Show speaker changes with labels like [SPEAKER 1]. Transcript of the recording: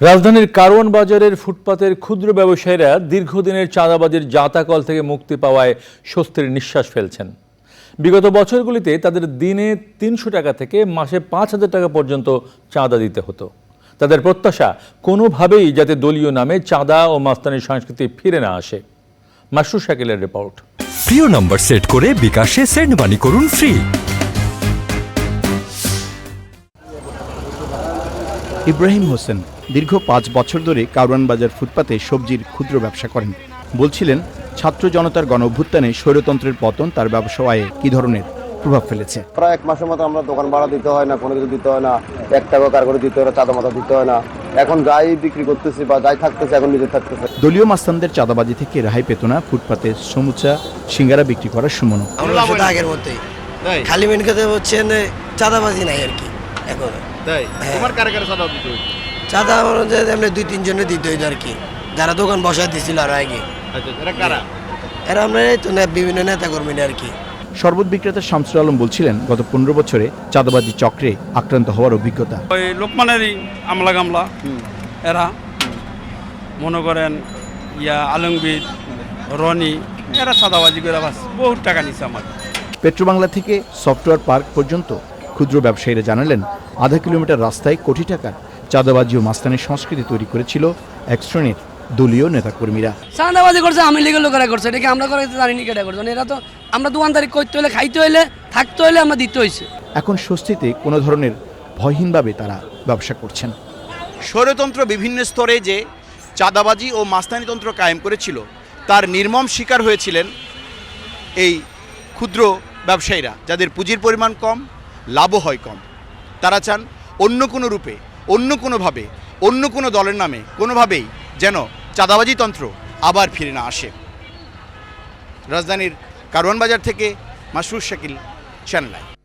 [SPEAKER 1] রাজধানীর কারওয়ান বাজারের ফুটপাতের ক্ষুদ্র ব্যবসায়ীরা দীর্ঘদিনের চাঁদাবাজির জাঁতাকল থেকে মুক্তি পাওয়ায় স্বস্তির নিঃশ্বাস ফেলছেন। বিগত বছরগুলিতে তাদের দিনে ৩০০ টাকা থেকে মাসে ৫,০০০ টাকা পর্যন্ত চাঁদা দিতে হতো। তাদের প্রত্যাশা কোনোভাবেই যাতে দলীয় নামে চাঁদা ও মাস্তানির সংস্কৃতি ফিরে না আসে। মাসরুর শাকিলের রিপোর্ট।
[SPEAKER 2] প্রিয় নম্বর সেট করে বিকাশে সেন্ড মানি করুন ফ্রি।
[SPEAKER 3] ইব্রাহিম হোসেন দীর্ঘ ৫ বছর ধরে কারওয়ান বাজার ফুটপাতে সবজির ক্ষুদ্র ব্যবসা করেন। বলছিলেন, ছাত্র জনতার গণঅভ্যুত্থানে স্বৈরতন্ত্রের পতন তার ব্যবসা আয়ে কি ধরনের প্রভাব ফেলেছে।
[SPEAKER 4] প্রায় ১ মাসের মতো আমরা দোকান ভাড়া দিতে হয় না, কোনো কিছু দিতে হয় না, ১ টাকা কার করে দিতে হয় না, চাঁদা মাথা দিতে হয় না। এখন যাই বিক্রি করতেছি বা যাই থাকতেছে এখন নিজে থাকতেছে।
[SPEAKER 3] দলীয় মাস্তানদের চাঁদাবাজি থেকে রেহাই পেত না ফুটপাতে সমুচা সিঙ্গারা বিক্রি করার সুমন।
[SPEAKER 5] আগের মধ্যেই খালি মেন খেতে হচ্ছেন, চাঁদাবাজি নাই আর কি এখন। চাঁদা এমনি ২-৩ জনের দিতে হইতো আর কি, যারা দোকান বসায় দিছিল আর আগে। এরা আমরা তো বিভিন্ন নেতা কর্মীরা আর কি।
[SPEAKER 3] শরবত বিক্রেতা শামসুল আলম বলছিলেন, গত ১৫ বছরে চাঁদাবাজি চক্রে আক্রান্ত হওয়ার অভিজ্ঞতা।
[SPEAKER 6] ওই লোকমানেরই আমলা গামলা এরা মনে করেন আলমগীর রনি এরা চাঁদাবাজি করে বাস বহুত টাকা নিচ্ছে আমার।
[SPEAKER 3] পেট্রোবাংলা থেকে সফটওয়্যার পার্ক পর্যন্ত ক্ষুদ্র ব্যবসায়ীরা জানালেন, আধা কিলোমিটার রাস্তায় কোটি টাকার চাঁদাবাজি ও মাস্তানির সংস্কৃতি তৈরি করেছিল এক শ্রেণীর দলীয় নেতাকর্মীরা।
[SPEAKER 5] চাঁদাবাজি করছে আমি লিগের লোকেরা করছে, এটাকে আমরা করে জানি নি কেটা করছে। এরা তো আমরা দোকানদারি করতে হলে, খাইতে হলে, থাকতে হলে আমরা দিতে হয়েছে।
[SPEAKER 3] এখন স্বস্তিতে কোনো ধরনের ভয়হীনভাবে তারা ব্যবসা করছেন।
[SPEAKER 7] স্বৈরতন্ত্র বিভিন্ন স্তরে যে চাঁদাবাজি ও মাস্তানিতন্ত্র কায়েম করেছিল তার নির্মম শিকার হয়েছিলেন এই ক্ষুদ্র ব্যবসায়ীরা, যাদের পুঁজির পরিমাণ কম, লাভও হয় কম। তারা চান অন্য কোনো রূপে, অন্য কোনোভাবে, অন্য কোনো দলের নামে কোনোভাবেই যেন চাঁদাবাজি তন্ত্র আবার ফিরে না আসে। রাজধানীর কারওয়ান বাজার থেকে মাসরুর শাকিল, চ্যানেল আই।